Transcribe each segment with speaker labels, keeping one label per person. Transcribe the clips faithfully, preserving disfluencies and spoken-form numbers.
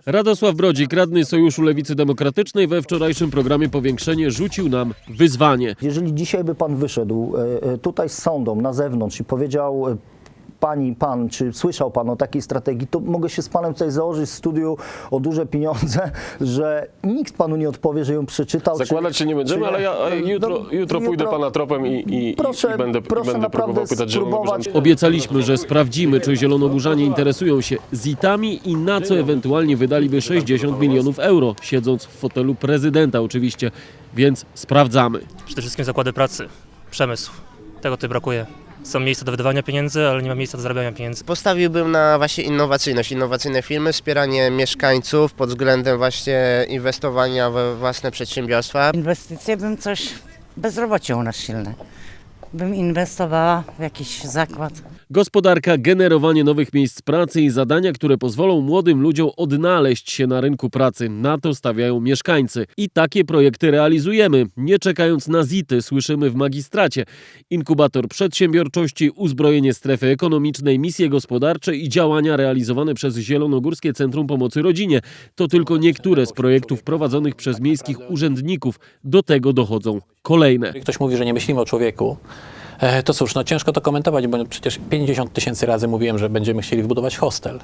Speaker 1: Radosław Brodzik, radny Sojuszu Lewicy Demokratycznej, we wczorajszym programie Powiększenie rzucił nam wyzwanie.
Speaker 2: Jeżeli dzisiaj by pan wyszedł tutaj z sądą na zewnątrz i powiedział pani, pan, czy słyszał pan o takiej strategii, to mogę się z panem tutaj założyć w studiu o duże pieniądze, że nikt panu nie odpowie, że ją przeczytał.
Speaker 3: Zakładać
Speaker 2: czy,
Speaker 3: się nie będziemy,
Speaker 2: czy,
Speaker 3: ale ja jutro,
Speaker 2: no,
Speaker 3: jutro,
Speaker 2: jutro
Speaker 3: pójdę pana tropem i, i,
Speaker 2: proszę,
Speaker 3: i będę,
Speaker 2: proszę
Speaker 3: i będę próbował pytać
Speaker 2: spróbować.
Speaker 3: Zielonogórzan.
Speaker 1: Obiecaliśmy, że sprawdzimy, czy zielonogórzanie interesują się zitami i na co ewentualnie wydaliby sześćdziesiąt milionów euro, siedząc w fotelu prezydenta oczywiście, więc sprawdzamy.
Speaker 4: Przede wszystkim zakłady pracy, przemysł. Tego tutaj brakuje. Są miejsca do wydawania pieniędzy, ale nie ma miejsca do zarabiania pieniędzy.
Speaker 5: Postawiłbym na właśnie innowacyjność, innowacyjne firmy, wspieranie mieszkańców pod względem właśnie inwestowania we własne przedsiębiorstwa.
Speaker 6: Inwestycje bym coś, bezrobocie u nas silne, bym inwestowała w jakiś zakład.
Speaker 1: Gospodarka, generowanie nowych miejsc pracy i zadania, które pozwolą młodym ludziom odnaleźć się na rynku pracy. Na to stawiają mieszkańcy. I takie projekty realizujemy. Nie czekając na zity, słyszymy w magistracie. Inkubator przedsiębiorczości, uzbrojenie strefy ekonomicznej, misje gospodarcze i działania realizowane przez Zielonogórskie Centrum Pomocy Rodzinie. To tylko niektóre z projektów prowadzonych przez miejskich urzędników. Do tego dochodzą kolejne.
Speaker 7: Jeżeli ktoś mówi, że nie myślimy o człowieku, to cóż, no ciężko to komentować, bo przecież pięćdziesiąt tysięcy razy mówiłem, że będziemy chcieli wbudować hostel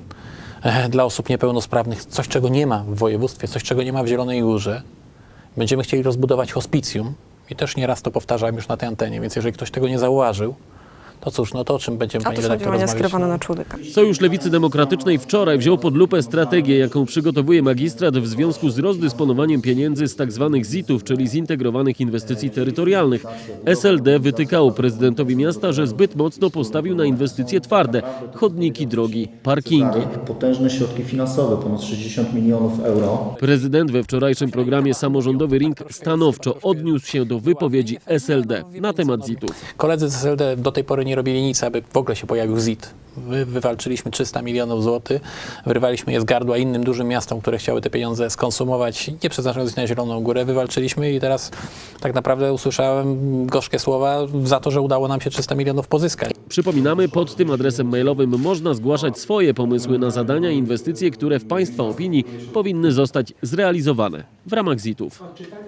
Speaker 7: dla osób niepełnosprawnych, coś czego nie ma w województwie, coś czego nie ma w Zielonej Górze. Będziemy chcieli rozbudować hospicjum i też nieraz to powtarzałem już na tej antenie, więc jeżeli ktoś tego nie zauważył, to cóż, no to o czym będziemy, pani redaktor, rozmawiać?
Speaker 8: skierowane na człowieka.
Speaker 1: Sojusz Lewicy Demokratycznej wczoraj wziął pod lupę strategię, jaką przygotowuje magistrat w związku z rozdysponowaniem pieniędzy z tzw. zitów, czyli zintegrowanych inwestycji terytorialnych. S L D wytykało prezydentowi miasta, że zbyt mocno postawił na inwestycje twarde, chodniki, drogi, parkingi.
Speaker 2: Potężne środki finansowe, ponad sześćdziesiąt milionów euro.
Speaker 1: Prezydent we wczorajszym programie Samorządowy Ring stanowczo odniósł się do wypowiedzi S L D na temat zitów.
Speaker 7: Koledzy z S L D do tej pory nie robili nic, aby w ogóle się pojawił zit. My wywalczyliśmy trzysta milionów złotych, wyrwaliśmy je z gardła innym dużym miastom, które chciały te pieniądze skonsumować, nie przeznaczając ich na Zieloną Górę, wywalczyliśmy i teraz tak naprawdę usłyszałem gorzkie słowa za to, że udało nam się trzysta milionów pozyskać.
Speaker 1: Przypominamy, pod tym adresem mailowym można zgłaszać swoje pomysły na zadania i inwestycje, które w Państwa opinii powinny zostać zrealizowane w ramach zitów.